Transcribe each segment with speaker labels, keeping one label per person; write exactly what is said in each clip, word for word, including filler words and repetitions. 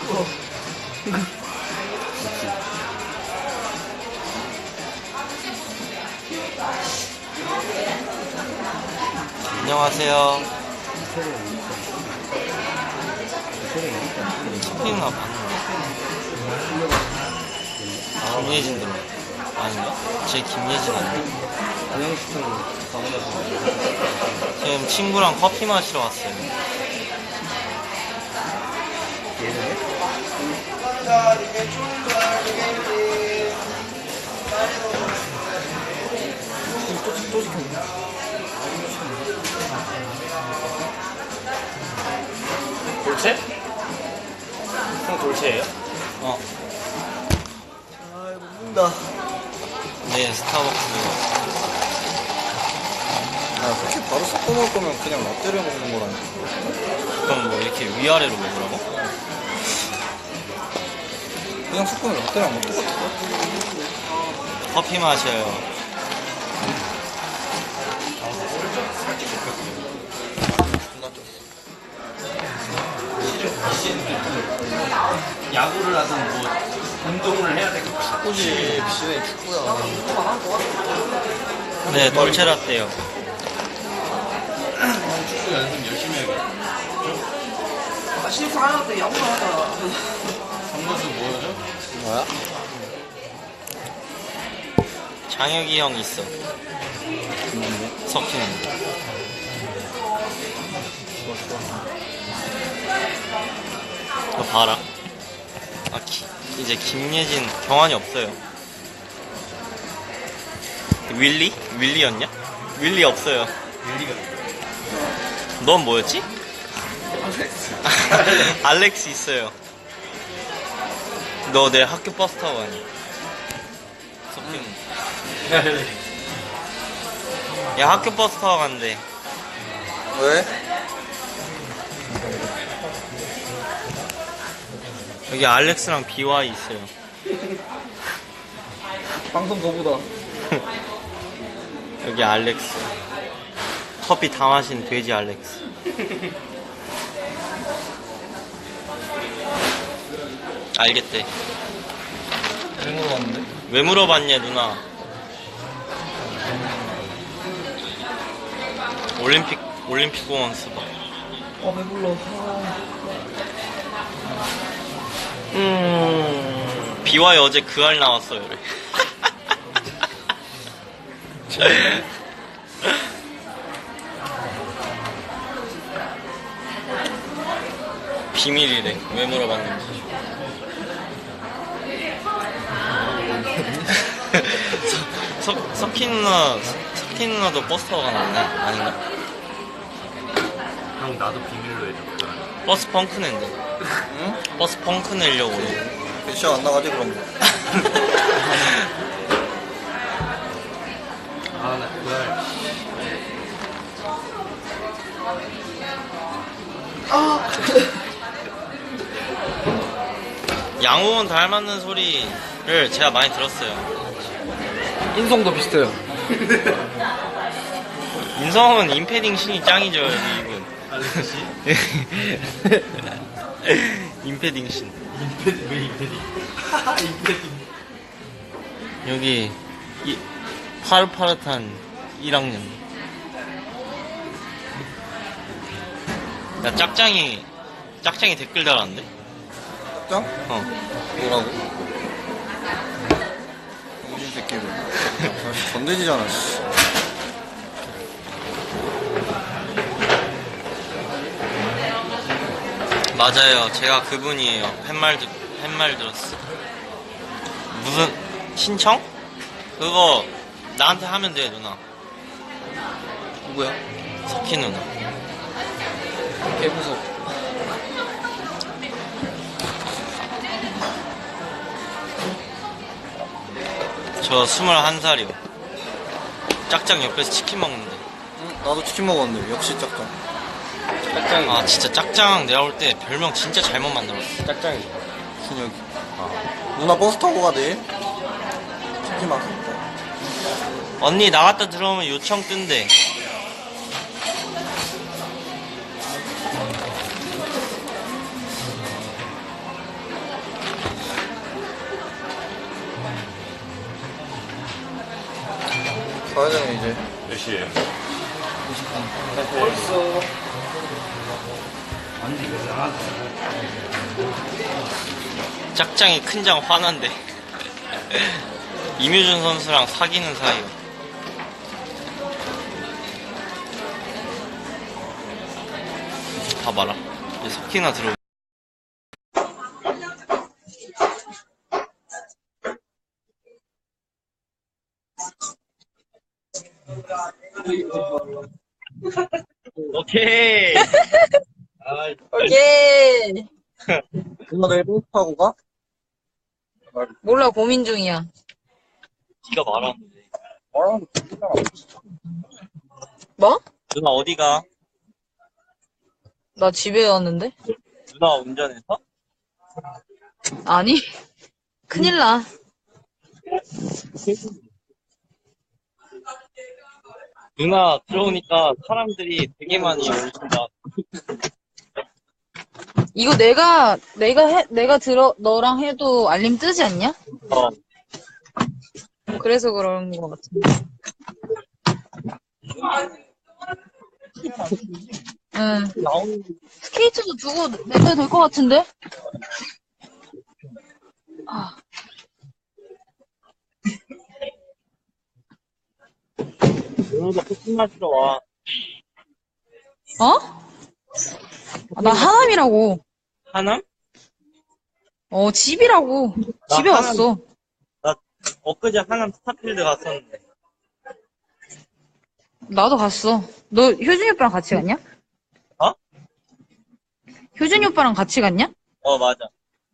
Speaker 1: 안녕하세요. 석빈아 봤는데. 김예진 들어. 아닌가? 제 김예진 아닌가? 지금 친구랑 커피 마시러 왔어요.
Speaker 2: 돌체? 형 돌체예요?
Speaker 1: 어.
Speaker 3: 아 이거 먹는다.
Speaker 1: 네, 스타벅스.
Speaker 3: 아 솔직히 바로 섞어 먹을 거면 그냥 라떼를 먹는 거라니까.
Speaker 1: 그럼 뭐 이렇게 위아래로 먹으라고?
Speaker 3: 그냥 섞으면 라떼랑 뭐 똑같아.
Speaker 1: 커피 마셔요.
Speaker 2: 야구를 하든 뭐 운동을 해야 될 것 같아.
Speaker 3: 축구지 비시네 축구야.
Speaker 1: 네, 돌체라떼요.
Speaker 2: 축구 연습 열심히 해야겠다.
Speaker 4: 아, 신입생 하나 때 야구를 하자.
Speaker 2: 선거수 뭐였죠?
Speaker 3: 뭐야?
Speaker 1: 장혁이 형 있어. 석희는. 너 봐라. 아, 기, 이제 김예진 경환이 없어요. 윌리? 윌리였냐? 윌리 없어요.
Speaker 2: 윌리가
Speaker 1: 넌 뭐였지?
Speaker 2: 알렉스.
Speaker 1: 알렉스 있어요. 너 내 학교 버스 타고 가니? 석희는. 야, 학교 버스 타고 간대.
Speaker 3: 왜?
Speaker 1: 여기 알렉스랑 비와이 있어요.
Speaker 3: 방송 거보다.
Speaker 1: 여기 알렉스. 커피 다 마신 돼지 알렉스. 알겠대.
Speaker 3: 왜 물어봤는데?
Speaker 1: 왜 물어봤냐, 누나? 올림픽, 올림픽 공원 스바.
Speaker 3: 아 배불러.
Speaker 1: 음, 비와이 어제 그 알 나왔어요, 그래. 비밀이래. 왜 물어봤는지. 석, 석, 석희 누나, 석희 누나도 버스 타고 가나? 아닌가?
Speaker 2: 형 나도 비밀로 해줘.
Speaker 1: 버스 펑크 낸대.
Speaker 3: 응?
Speaker 1: 버스 펑크 내려고.
Speaker 3: 시간 안 나가지 그럼.
Speaker 2: 아나 그날
Speaker 1: 양호원 닮았는 소리를 제가 많이 들었어요.
Speaker 3: 인성도 비슷해요.
Speaker 1: 인성은 임패딩 신이 짱이죠, 여기 이분.
Speaker 2: 알렉스 씨?
Speaker 1: 임패딩 신.
Speaker 2: 임패디 왜 임패디? 임패디.
Speaker 1: 여기 이 파릇파릇한 일 학년. 야, 짝짱이 짝짱이 댓글 달았는데?
Speaker 3: 짱?
Speaker 1: 어.
Speaker 3: 뭐라고? 정신 새끼를. 사실 건드지잖아. 씨.
Speaker 1: 맞아요. 제가 그분이에요. 팻말, 듣, 팻말 들었어. 무슨, 신청? 그거, 나한테 하면 돼, 누나.
Speaker 3: 누구야?
Speaker 1: 석희 누나.
Speaker 3: 개무서.
Speaker 1: 저 스물한 살이요. 짝짱 옆에서 치킨 먹는데.
Speaker 3: 응? 나도 치킨 먹었는데 역시 짝짱.
Speaker 2: 짝짱이.
Speaker 1: 아, 진짜 짝짱 내가 볼 때 별명 진짜 잘못 만들었어.
Speaker 2: 짝짱이.
Speaker 3: 준혁이. 누나 버스 타고 가대. 치킨 맛.
Speaker 1: 언니 나갔다 들어오면 요청 뜬대.
Speaker 3: 가야 되네, 이제.
Speaker 2: 몇 시에?
Speaker 4: 벌써.
Speaker 1: 짝짱이 큰장 화난데. 이뮤준 선수랑 사귀는 사이요. 봐봐라. 이제 석희나 들어. 오케이.
Speaker 5: 오케이.
Speaker 3: 누나 내일 버스타고 가?
Speaker 5: 몰라, 고민 중이야.
Speaker 1: 네가 말하는데.
Speaker 3: 말하면 되잖아.
Speaker 5: 뭐?
Speaker 1: 누나 어디가?
Speaker 5: 나 집에 왔는데?
Speaker 1: 누나 운전해서?
Speaker 5: 아니. 큰일 나.
Speaker 1: 누나 들어오니까 사람들이 되게 많이 오신다.
Speaker 5: 이거 내가, 내가 해, 내가 들어, 너랑 해도 알림 뜨지 않냐?
Speaker 1: 어.
Speaker 5: 그래서 그런 것 같은데. 응.
Speaker 1: 나오는
Speaker 5: 스케이트도 두고 내도 될 것 같은데? 아.
Speaker 1: 오늘도 코팅 마시러 와.
Speaker 5: 어? 아, 나 하남이라고.
Speaker 1: 하남?
Speaker 5: 어, 집이라고.
Speaker 1: 나
Speaker 5: 집에
Speaker 1: 하남-
Speaker 5: 왔어.
Speaker 1: 나 엊그제 하남 스타필드 갔었는데.
Speaker 5: 나도 갔어. 너 효준이 오빠랑 같이 갔냐?
Speaker 1: 어?
Speaker 5: 효준이 오빠랑 같이 갔냐?
Speaker 1: 어 맞아.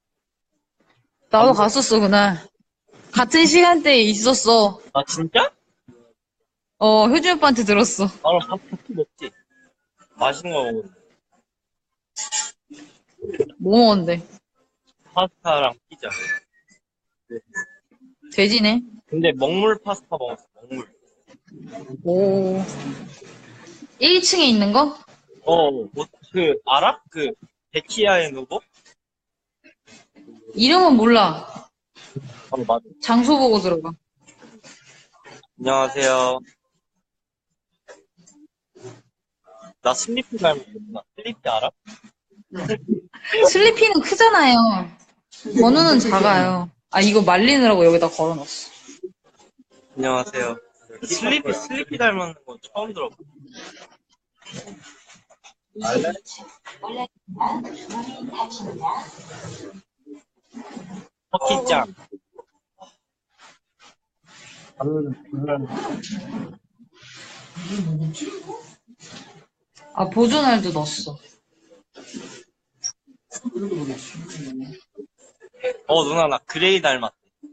Speaker 5: 나도 갔었어, 그날. 같은 시간대에 있었어.
Speaker 1: 아 진짜?
Speaker 5: 어, 효준이 오빠한테 들었어.
Speaker 1: 바로 밥 같이 먹지. 맛있는 거 먹었는데.
Speaker 5: 뭐 먹었는데?
Speaker 1: 파스타랑 피자.
Speaker 5: 돼지네.
Speaker 1: 근데 먹물 파스타 먹었어. 먹물.
Speaker 5: 오. 일 층에 있는 거?
Speaker 1: 어, 뭐, 그 알아? 그 베키아의 누구?
Speaker 5: 이름은 몰라.
Speaker 1: 어 맞아.
Speaker 5: 장소 보고 들어가.
Speaker 1: 안녕하세요. 나 슬리피 닮았구나. 슬리피 알아?
Speaker 5: 슬리피는 크잖아요. 번호는 작아요. 아, 이거 말리느라고 여기다 걸어놨어.
Speaker 1: 안녕하세요. 슬리피 슬리피 닮았는 거 처음 들어봐. 터키짱.
Speaker 5: 아, 보존알도 넣었어.
Speaker 1: 어 누나 나 그레이 닮았대.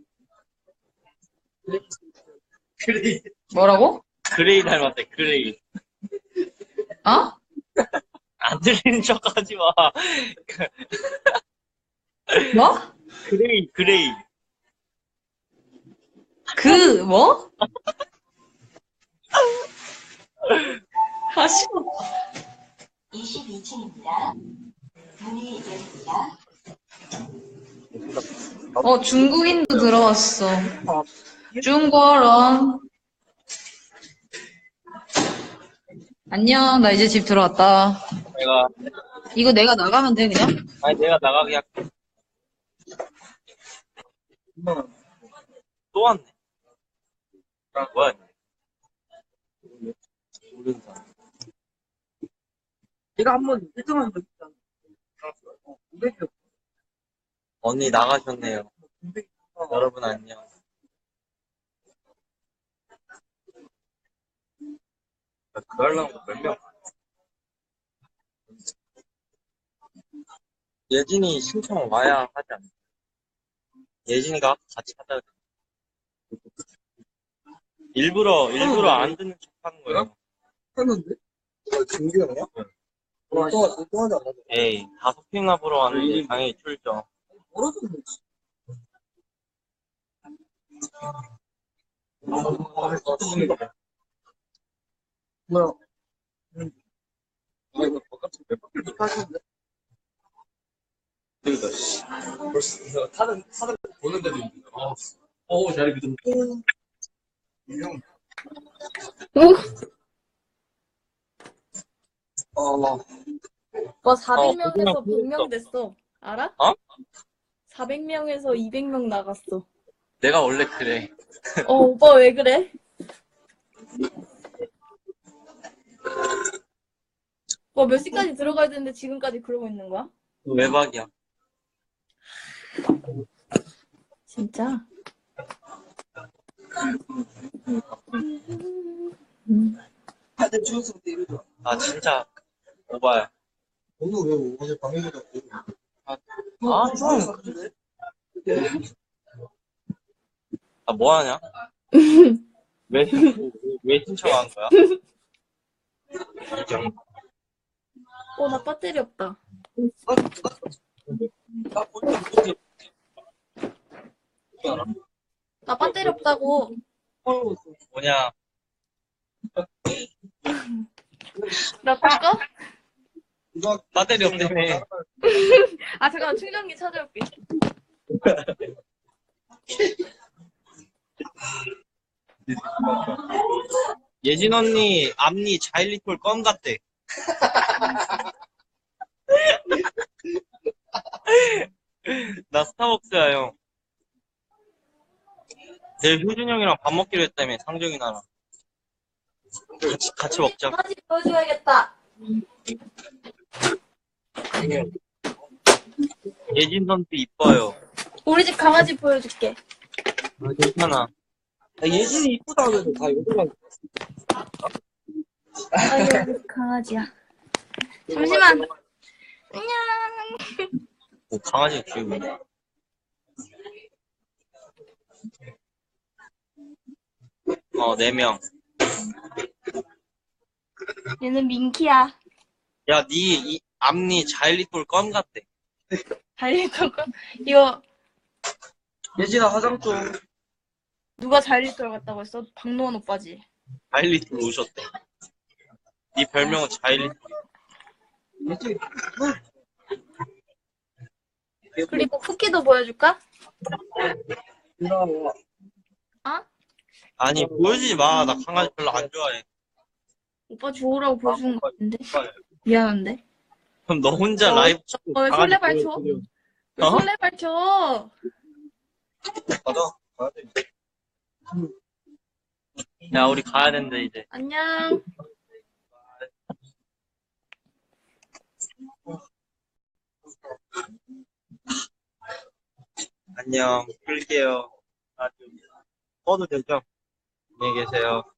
Speaker 1: 그레이
Speaker 5: 뭐라고?
Speaker 1: 그레이 닮았대. 그레이.
Speaker 5: 어?
Speaker 1: 안 들리는 척하지 마.
Speaker 5: 뭐?
Speaker 1: 그레이 그레이.
Speaker 5: 그, 뭐? 아, 싫어.
Speaker 6: 이십이 층입니다. 문이 열립니다.
Speaker 5: 어, 중국인도 들어왔어. 중국어. 안녕, 나 이제 집 들어왔다.
Speaker 1: 내가
Speaker 5: 이거 내가 나가면 돼, 그냥?
Speaker 1: 아니 내가 나가게 할게. 또 왔네. 뭐야? 모르는 사람.
Speaker 4: 내가 한번 일 등 한 적 있잖아. 어, 오백이
Speaker 1: 언니 나가셨네요. 여러분 안녕. 그 하려고 몇 명? 예진이 신청 와야 하지 않나? 예진이가 같이 하자. 일부러 일부러 안 듣는 척하는 거예요.
Speaker 3: 했는데? 아, 진규 형이야? 또, 또, 또 하지 않았어?
Speaker 1: 에이 다섯 명이나 보러 왔는데 당연히 출죠.
Speaker 4: 멀어졌네. 뭐야?
Speaker 3: 아, 이거 바깥에 몇 바퀴
Speaker 4: 이렇게 하셨는데?
Speaker 3: 들다, 씨. 벌써 타는, 타는, 보는데도 있는데. 아,
Speaker 2: 어, 자리 믿음.
Speaker 3: 형, 어,
Speaker 7: 뭐 사백 명에서
Speaker 1: 어,
Speaker 7: 백 명 됐어. 알아?
Speaker 1: 어?
Speaker 7: 사백 명에서 이백 명 나갔어.
Speaker 1: 내가 원래 그래.
Speaker 7: 어, 오빠 왜 그래? 뭐 몇 시까지 들어가야 되는데 지금까지 그러고 있는 거야?
Speaker 1: 외박이야.
Speaker 7: 진짜?
Speaker 4: 다들 주웠을 때 이러죠.
Speaker 1: 아, 진짜 오바야.
Speaker 3: 오늘 왜 어제 방에 가자고?
Speaker 1: 아,
Speaker 4: 주웠어.
Speaker 1: 아, 뭐 하냐? 왜, 왜 신청한 거야?
Speaker 7: 어, 나 배터리 없다. 나 배터리 없다고.
Speaker 1: 뭐냐?
Speaker 7: 나 끌까?
Speaker 1: 배터리 없다며.
Speaker 7: 아, 잠깐만, 충전기 찾아올게.
Speaker 1: 예진 언니 앞니 자일리톨 껌 같대. 나 스타벅스야 형. 내일 효준 형이랑 밥 먹기로 했다며 상정이 나랑. 같이, 같이 먹자.
Speaker 7: 강아지 보여줘야겠다.
Speaker 1: 예진 선수 이뻐요.
Speaker 7: 우리 집 강아지 보여줄게.
Speaker 1: 아, 괜찮아.
Speaker 4: 예진이 이쁘다 그래도 다 요즘만.
Speaker 7: 아유, 강아지야. 잠시만. 안녕.
Speaker 1: 뭐 강아지 키우고. 어, 네 명.
Speaker 7: 얘는 민키야.
Speaker 1: 야, 니, 이, 앞니 자일리톨 껌 같대.
Speaker 7: 자일리톨 거? 이거
Speaker 4: 예진아 화장 좀.
Speaker 7: 누가 자일리톨 같다고 했어? 박노원 오빠지.
Speaker 1: 자일리톨 오셨대. 니 별명은 자일리톨.
Speaker 4: 예진.
Speaker 7: 그리고 쿠키도 보여줄까?
Speaker 4: 누나
Speaker 7: 어?
Speaker 1: 아니, 보여주지 마. 나 강아지 별로 안 좋아해.
Speaker 7: 오빠 주우라고 보여주는 거 같은데. 미안한데.
Speaker 1: 그럼 너 혼자
Speaker 7: 어,
Speaker 1: 라이브 찍고
Speaker 7: 어, 왜
Speaker 1: 강아지
Speaker 7: 설레발 쳐?
Speaker 1: 보여줘.
Speaker 7: 왜
Speaker 1: 어?
Speaker 7: 설레발 쳐?
Speaker 3: 가자. 가야 돼.
Speaker 1: 야, 우리 가야 된대, 이제.
Speaker 7: 안녕.
Speaker 1: 안녕. 끌게요. 아, 좀. 꺼도 되죠? 안녕히 계세요.